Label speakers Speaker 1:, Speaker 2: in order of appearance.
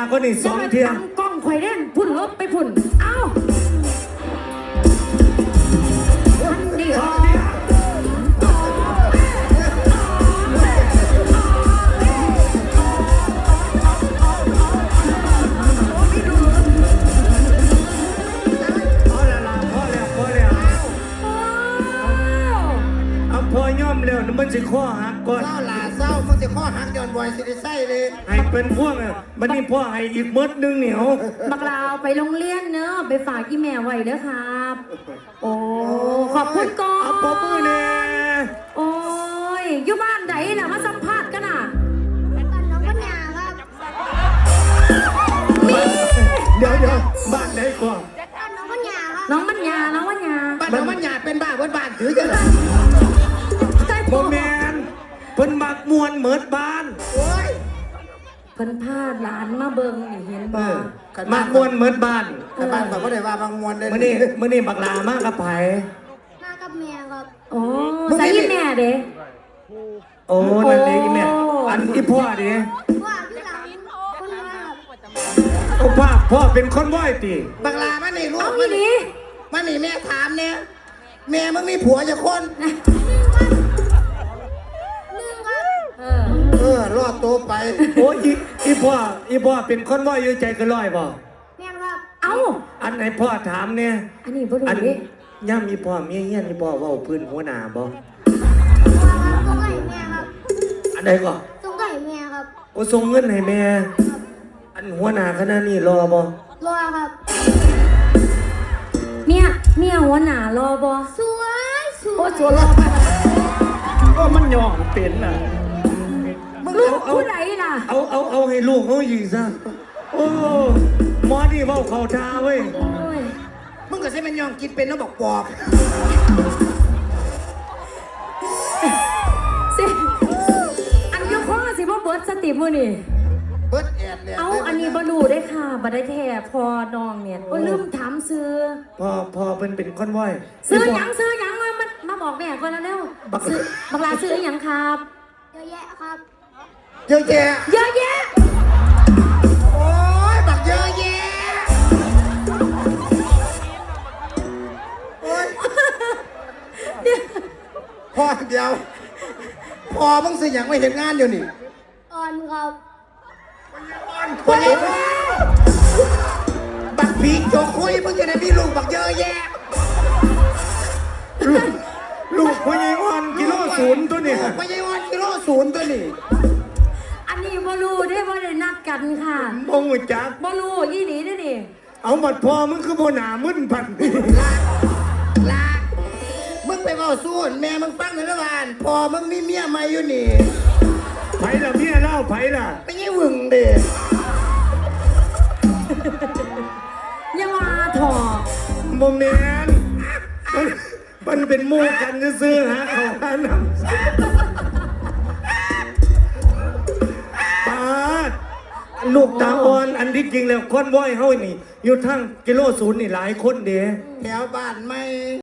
Speaker 1: ก็นี่สองเทียม
Speaker 2: กล้องข่อยเล่นพุ่นลบไปพุ่นเอ้าอันนี้
Speaker 1: มันสิข้อหักก่อน
Speaker 3: เศร้าหลาเศร้ามันสิข้อหักย้อนบ่อยสิได้ใส่เลย
Speaker 1: ให้เป็นพวกมันนี่พ่อให้อีกมดนึงเหนียว
Speaker 2: บักลาวไปโรงเรียนเนอะไปฝากกี่แม่ไว้เด้อครับโอ้ขอบคุณก่อน
Speaker 1: เอาปมือเน่
Speaker 2: โอ้ยอยู่บ้านไหนล่ะมาสัมภาษณ์กันน่ะ
Speaker 4: บ้านน้องปัญญาครับ
Speaker 1: เดี๋ยวบ้านไหนก่อน
Speaker 4: บ้านน้องปัญญาครับ
Speaker 2: น้องปัญญา
Speaker 3: บ้านน้องปัญญาเป็นบ้าบ้านถือจะ
Speaker 1: โมเมนเพิ่นมักมวนเหมือนบ้าน
Speaker 3: โอ้ย
Speaker 2: เพิ่นพาหลานมาเบิ่งนี่เห็นบ่
Speaker 1: มักมวนเหมือนบ้าน
Speaker 3: บ้านแบบก็ได้ว่าบางมวนเลย
Speaker 1: มื้อนี้บักลามากกับไผ
Speaker 4: มากับแม่ครับ
Speaker 2: โอ้ใส่แม่เด้
Speaker 1: โอ้นั่นเองแม่อันที่พ่อดิ
Speaker 4: ว่าพี่หลังคนว่า
Speaker 1: โอ้พ่อเป็นคนว่ายติ
Speaker 3: บักลามันนี่ลูก
Speaker 2: มันนี่
Speaker 3: แม่ถามเนี่ยแม่มึงมีผัวจะคนรอดตัวไป
Speaker 1: โอ้ยอีพ่อเป็นคนว่ายอยู่ใจก็ลอยบ่
Speaker 4: แม่ครับ
Speaker 2: เอ้า
Speaker 1: อันไหนพ่อถามเนี่ย
Speaker 2: อันนี้บ่รู้ดิ
Speaker 1: ย่ามีพ่อเมียเงี้ยนี่พ่อว่าพื้นหัวหน้าบ่
Speaker 4: ส่งให้แม่ครับ
Speaker 1: อันไหนก็
Speaker 4: ส่งให้แม่ครับ
Speaker 1: โอ้ส่งเงินให้แม่อันหัวหน้าคณะนี่รอบ่
Speaker 4: รอครับ
Speaker 2: เมียหัวหน้ารอบ่
Speaker 4: สวย
Speaker 2: โอ้สวย
Speaker 1: ก็มันย่องเป็นน่ะ
Speaker 2: ลูกผู้ใดล่ะ
Speaker 1: เอาให้ลูกเขายิงซะโอ้หมอนี่เว้าเข้าท่าเว้ย
Speaker 3: มึงก็ใช่มันยองกินเป็นแล้วบอกปอบ
Speaker 2: สิอันยกข้อสิบ่เบิดสติมื้อนี่
Speaker 3: เบิดแอดเลย
Speaker 2: เอาอันนี้บ่รู้ได้ค่ะบ่ได้แท้พอน้องเนี่ยก็ลืมถามซื้อ
Speaker 1: พอเป็นคนว่าย
Speaker 2: ซื้อหยังมาบอกแม่ก่อนแล้วบักลาซื้อหยังครับ
Speaker 4: เยอะแยะครับ
Speaker 3: เยอะแยะโอ้ยบักเยอะแยะโอ้ยพอเดียวพอมึงสิอย่างไม่เห็นงานอยู่นี่
Speaker 4: อ่อนครับ
Speaker 3: คนนี้บักผีโจคุยมึงจะได้มีลูกบักเยอะแยะ
Speaker 1: ลูกพญายอ่อนกิโลศูนย์ตัวนี้
Speaker 3: พญายอ่อนกิโลศูนย์ตัวนี้
Speaker 2: อันนี้บ่รู้ได้บ่ได้นัดกันค่ะ
Speaker 1: บ่ฮู้จัก
Speaker 2: บ่รู้ยี่หลีได้นี่
Speaker 1: เอาบัดพ่อมึงคือบ่หน้ามึนพัน
Speaker 3: ลามึงไปเว้าสู้แม่มึงฟังหน่อยละบ้านพ่อมึงมีเมียใหม่อยู่นี่
Speaker 1: ไผล่ะเมียเล่าไผล่ะ
Speaker 3: ไม่ใช่หึงเด้
Speaker 2: อย่ามาถอ
Speaker 1: บ่แม่นมันเป็นหมู่กันซื่อๆหาเขาหาน้ำปาดลูกตาอ่อนอันที่จริงแล้วคนว่ายเฮานี่อยู่ทั้งกิโลศูนย์นี่หลายคนเด้
Speaker 3: แถวบ้านไม่